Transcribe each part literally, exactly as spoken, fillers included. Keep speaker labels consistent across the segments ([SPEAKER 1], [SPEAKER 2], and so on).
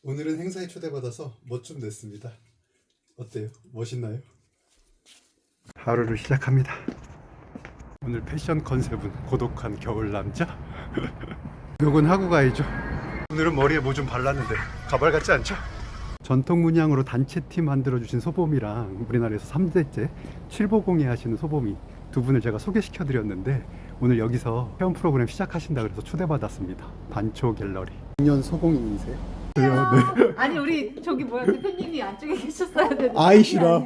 [SPEAKER 1] 오늘은 행사에 초대받아서 멋 좀 냈습니다. 어때요? 멋있나요? 하루를 시작합니다. 오늘 패션 컨셉은 고독한 겨울 남자. 욕은 하고 가야죠. 오늘은 머리에 뭐 좀 발랐는데 가발 같지 않죠? 전통 문양으로 단체팀 만들어주신 소범이랑 우리나라에서 삼 대째 칠보공예 하시는 소범이 두 분을 제가 소개시켜 드렸는데 오늘 여기서 체험 프로그램 시작하신다 그래서 초대받았습니다. 반초 갤러리. 작년 소공인이세요? 네.
[SPEAKER 2] 아니 우리 저기 뭐야 대표님이 안쪽에 계셨어야 되는데.
[SPEAKER 1] 아이시라.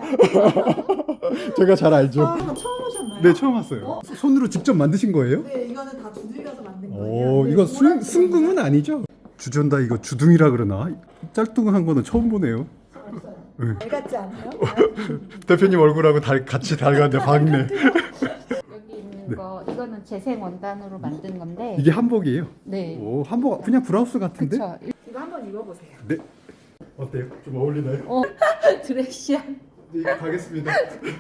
[SPEAKER 1] 제가 잘 알죠.
[SPEAKER 3] 아, 이거 처음 오셨나요?
[SPEAKER 1] 네, 처음 왔어요.
[SPEAKER 3] 어?
[SPEAKER 1] 손으로 직접 만드신 거예요?
[SPEAKER 3] 네, 이거는 다 두들겨서 만든 거예요.
[SPEAKER 1] 오,
[SPEAKER 3] 네,
[SPEAKER 1] 이거
[SPEAKER 3] 이거랑
[SPEAKER 1] 순, 순금은 아니죠? 주전다 이거 주둥이라 그러나? 짤뚱한 거는 처음 보네요. 네.
[SPEAKER 3] 알 같지 않아요?
[SPEAKER 1] 대표님 얼굴하고 달, 같이 닮았는데 박네.
[SPEAKER 2] 여기 있는 거 이거는 재생 원단으로 만든 건데.
[SPEAKER 1] 이게 한복이에요?
[SPEAKER 2] 네.
[SPEAKER 1] 오, 한복 그냥 브라우스 같은데?
[SPEAKER 2] 그쵸.
[SPEAKER 3] 이거 한번 입어보세요.
[SPEAKER 1] 네. 어때요? 좀 어울리나요?
[SPEAKER 2] 어 드레시한
[SPEAKER 1] 네, 이거 가겠습니다.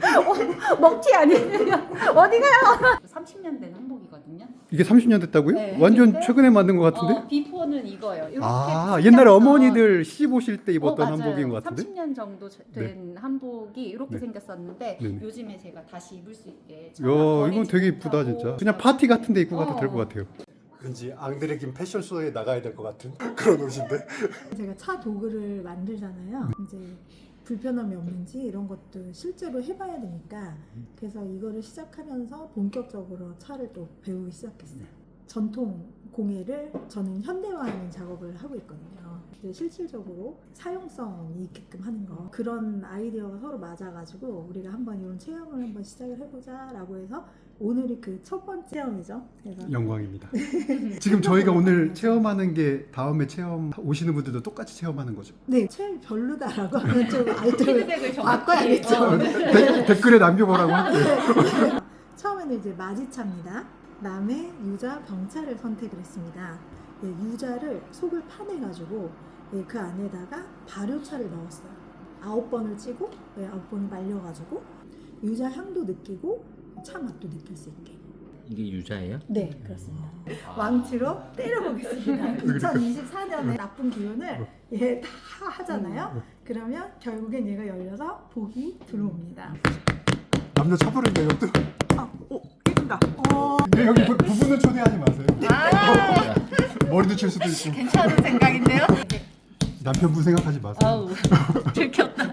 [SPEAKER 2] 먹튀 아니에요? 어디 가요? 삼십 년 된 한복이거든요.
[SPEAKER 1] 이게 삼십 년 됐다고요?
[SPEAKER 2] 네,
[SPEAKER 1] 완전
[SPEAKER 2] 근데-
[SPEAKER 1] 최근에 만든 것 같은데?
[SPEAKER 2] 어, 비포는 이거예요. 이렇게
[SPEAKER 1] 아,
[SPEAKER 2] 진짜
[SPEAKER 1] 옛날에
[SPEAKER 2] 어떤-
[SPEAKER 1] 어머니들 시집 오실 때
[SPEAKER 2] 어,
[SPEAKER 1] 입었던
[SPEAKER 2] 맞아요.
[SPEAKER 1] 한복인 것 같은데?
[SPEAKER 2] 삼십 년 정도 된 한복이 이렇게
[SPEAKER 1] 네.
[SPEAKER 2] 생겼었는데
[SPEAKER 1] 네네.
[SPEAKER 2] 요즘에 제가 다시 입을 수 있게.
[SPEAKER 1] 이야, 이건 되게 이쁘다 진짜. 그냥 파티 같은 데 입고 가도 될 것 같아요. 왠지 앙드레 김 패션쇼에 나가야 될 것 같은 그런 옷인데.
[SPEAKER 3] 제가 차 도구를 만들잖아요. 이제 불편함이 없는지 이런 것도 실제로 해봐야 되니까 그래서 이거를 시작하면서 본격적으로 차를 또 배우기 시작했어요. 전통 공예를 저는 현대화하는 작업을 하고 있거든요. 이제 실질적으로 사용성이 있게끔 하는 거 그런 아이디어가 서로 맞아가지고 우리가 한번 이런 체험을 한번 시작을 해보자라고 해서 오늘이 그 첫 번째 체험이죠. 그래서
[SPEAKER 1] 영광입니다. 지금 저희가 오늘 체험하는 게 다음에 체험 오시는 분들도 똑같이 체험하는 거죠?
[SPEAKER 3] 네, 체험이 별로다라고 하면 좀 알뜰
[SPEAKER 2] 피드백을 정확히
[SPEAKER 3] 바꿔야겠죠.
[SPEAKER 2] 어,
[SPEAKER 1] 데, 댓글에 남겨보라고 할게요.
[SPEAKER 3] 처음에는 이제 마지차입니다. 남의 유자 병차를 선택을 했습니다. 예, 유자를 속을 파내가지고 예, 그 안에다가 발효차를 넣었어요. 아홉 번을 찌고 예, 아홉 번을 말려가지고 유자 향도 느끼고 차 맛도 느낄 수 있게.
[SPEAKER 4] 이게 유자예요?
[SPEAKER 3] 네, 그렇습니다. 왕치로 때려보겠습니다. 이천이십사 년에 나쁜 기운을 예, 다 하잖아요. 그러면 결국엔 얘가 열려서 복이 들어옵니다.
[SPEAKER 1] 남녀 차별인가 이것도?
[SPEAKER 3] 아, 오, 이긴다. 어,
[SPEAKER 1] 네, 여기 부, 부부는 초대하지 마세요.
[SPEAKER 2] 아,
[SPEAKER 1] 머리도 칠 수도 있고.
[SPEAKER 2] 괜찮은 생각인데요?
[SPEAKER 1] 남편분 생각하지 마세요.
[SPEAKER 2] 아우 들켰다.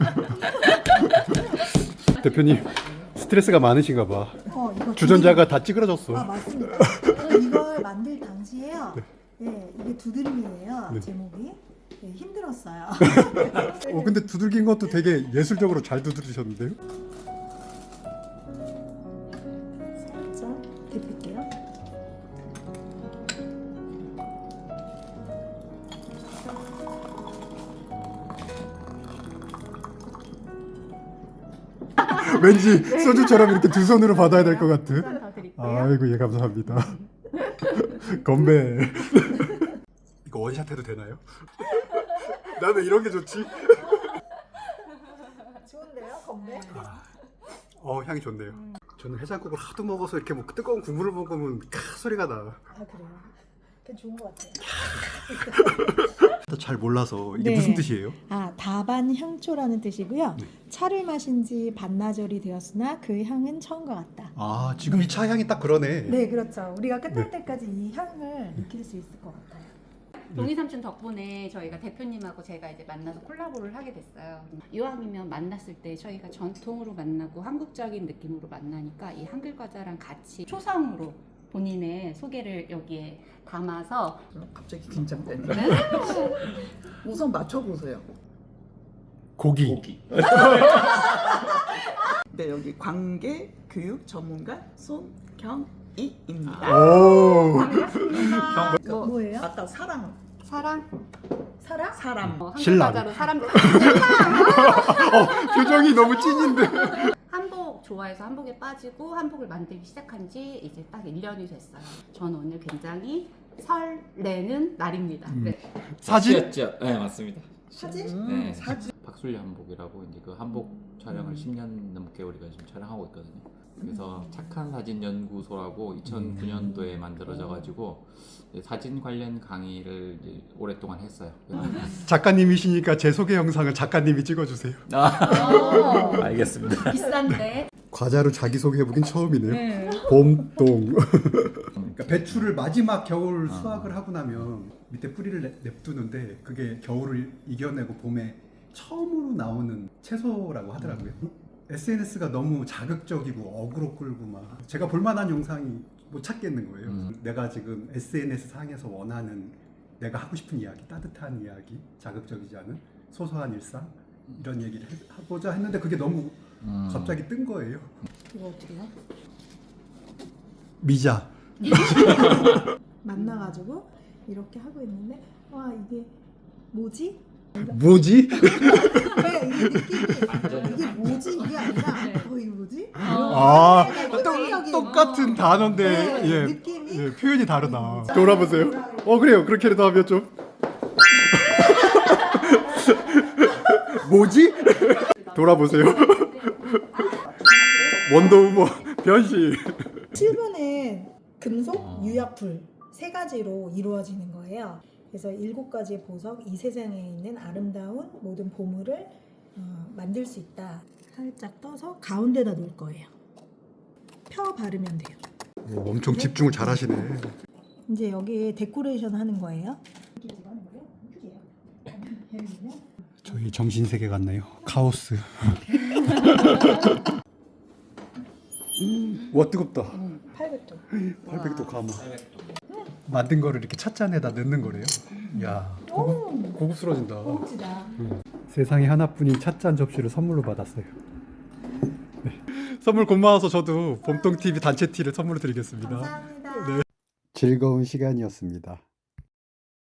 [SPEAKER 1] 대표님 스트레스가 많으신가 봐.
[SPEAKER 3] 어, 이거
[SPEAKER 1] 주전자가 다 찌그러졌어.
[SPEAKER 3] 아 맞습니다. 이걸 만들 당시에요. 예, 이게 두드림이에요.
[SPEAKER 1] 네.
[SPEAKER 3] 제목이 예, 힘들었어요.
[SPEAKER 1] 어, 근데 두들긴 것도 되게 예술적으로 잘 두드리셨는데요?
[SPEAKER 3] 살짝 데필게요.
[SPEAKER 1] 왠지 소주처럼 이렇게 두 손으로 받아야 될 것 같은.
[SPEAKER 2] 한더 드릴게요.
[SPEAKER 1] 아이고 예 감사합니다. 건배. 이거 원샷 해도 되나요? 나는 이런 게 좋지.
[SPEAKER 3] 좋은데요, 건배?
[SPEAKER 1] 어 향이 좋네요. 저는 해장국을 하도 먹어서 이렇게 뭐 뜨거운 국물을 먹으면 카 소리가 나.
[SPEAKER 3] 아 그래요? 그게 좋은 것 같아요.
[SPEAKER 1] 잘 몰라서 이게
[SPEAKER 3] 네.
[SPEAKER 1] 무슨 뜻이에요?
[SPEAKER 3] 아 다반 향초라는 뜻이고요.
[SPEAKER 1] 네.
[SPEAKER 3] 차를 마신 지 반나절이 되었으나 그 향은 처음과 같다.
[SPEAKER 1] 아 지금 이 차 향이 딱 그러네.
[SPEAKER 3] 네, 그렇죠. 우리가 끝날
[SPEAKER 1] 네.
[SPEAKER 3] 때까지 이 향을 느낄 수 있을 것 같아요.
[SPEAKER 2] 동희 삼촌 덕분에 저희가 대표님하고 제가 이제 만나서 콜라보를 하게 됐어요. 이왕이면 만났을 때 저희가 전통으로 만나고 한국적인 느낌으로 만나니까 이 한글 과자랑 같이 초성으로 본인의 소개를 여기에 담아서
[SPEAKER 5] 갑자기 긴장된다. 우선 맞춰보세요.
[SPEAKER 1] 고기.
[SPEAKER 4] 고기.
[SPEAKER 5] 네, 여기 관계 교육 전문가 손경희입니다.
[SPEAKER 1] 오.
[SPEAKER 2] 반갑습니다.
[SPEAKER 3] 뭐, 뭐예요?
[SPEAKER 5] 아까 사랑,
[SPEAKER 2] 사랑,
[SPEAKER 3] 사랑?
[SPEAKER 5] 사람.
[SPEAKER 2] 어, 한글
[SPEAKER 1] 신랑.
[SPEAKER 2] 과자로 사람
[SPEAKER 1] 어, 표정이 너무 찐인데.
[SPEAKER 2] 한복 좋아해서 한복에 빠지고 한복을 만들기 시작한 지 이제 딱 일 년이 됐어요. 저는 오늘 굉장히 설레는 날입니다.
[SPEAKER 1] 음.
[SPEAKER 2] 네.
[SPEAKER 1] 사진?
[SPEAKER 4] 였죠? 네 맞습니다.
[SPEAKER 3] 사진?
[SPEAKER 5] 음,
[SPEAKER 4] 네.
[SPEAKER 5] 사진.
[SPEAKER 4] 박술리 한복이라고 이제 그 한복 촬영을
[SPEAKER 5] 음.
[SPEAKER 4] 십 년 넘게 우리가 지금 촬영하고 있거든요. 그래서 착한 사진 연구소라고 이천구 년도에 만들어져 가지고 사진 관련 강의를 이제 오랫동안 했어요.
[SPEAKER 1] 작가님이시니까 제 소개 영상을 작가님이 찍어주세요.
[SPEAKER 2] 어,
[SPEAKER 4] 알겠습니다.
[SPEAKER 2] 비싼데.
[SPEAKER 1] 과자로 자기 소개해보긴 처음이네요.
[SPEAKER 2] 네.
[SPEAKER 1] 봄동. 그러니까 배추를 마지막 겨울
[SPEAKER 4] 아.
[SPEAKER 1] 수확을 하고 나면 밑에 뿌리를 내- 냅두는데 그게 겨울을 이겨내고 봄에 처음으로 나오는 채소라고 하더라고요. 에스엔에스가 너무 자극적이고 어그로 끌고 막 제가 볼만한 영상이 못 찾겠는 거예요.
[SPEAKER 4] 음.
[SPEAKER 1] 내가 지금 에스엔에스 상에서 원하는 내가 하고 싶은 이야기, 따뜻한 이야기, 자극적이지 않은 소소한 일상 이런 얘기를 해- 하고자 했는데 그게 너무
[SPEAKER 4] 음.
[SPEAKER 1] 갑자기 뜬 거예요.
[SPEAKER 2] 이거 어떻게 해?
[SPEAKER 1] 미자.
[SPEAKER 3] 만나가지고 이렇게 하고 있는데 와 이게 뭐지?
[SPEAKER 1] 뭐지?
[SPEAKER 3] 왜 이게 느낌이 이게 뭐지 이게 아니라
[SPEAKER 2] 네.
[SPEAKER 3] 어 이게 뭐지?
[SPEAKER 1] 아,
[SPEAKER 3] 획기적인
[SPEAKER 1] 똑, 똑같은 단어인데
[SPEAKER 3] 네,
[SPEAKER 1] 예,
[SPEAKER 3] 느낌이
[SPEAKER 1] 예, 표현이 다르다. 돌아보세요. 어 그래요. 그렇게라도 하면 좀 뭐지? 돌아보세요. 원더우먼 변신.
[SPEAKER 3] 칠 번은 금속,
[SPEAKER 4] 어.
[SPEAKER 3] 유약불 세 가지로 이루어지는 거예요. 그래서 일곱 가지의 보석, 이 세상에 있는 아름다운 모든 보물을 어, 만들 수 있다. 살짝 떠서 가운데다 놓을 거예요. 펴 바르면 돼요.
[SPEAKER 1] 오, 엄청 집중을 잘하시네.
[SPEAKER 3] 이제 여기 데코레이션 하는 거예요.
[SPEAKER 1] 저희 정신 세계 같네요. 카오스. 와 뜨겁다.
[SPEAKER 3] 팔백 도.
[SPEAKER 1] 팔백 도 가마. 만든 거를 이렇게 찻잔에다 넣는 거래요. 야 고급, 고급스러워진다.
[SPEAKER 3] 고급지다.
[SPEAKER 1] 세상에 하나뿐인 찻잔 접시를 선물로 받았어요. 네. 선물 고마워서 저도 봄동티비 단체 티를 선물로 드리겠습니다.
[SPEAKER 3] 감사합니다.
[SPEAKER 1] 즐거운 시간이었습니다.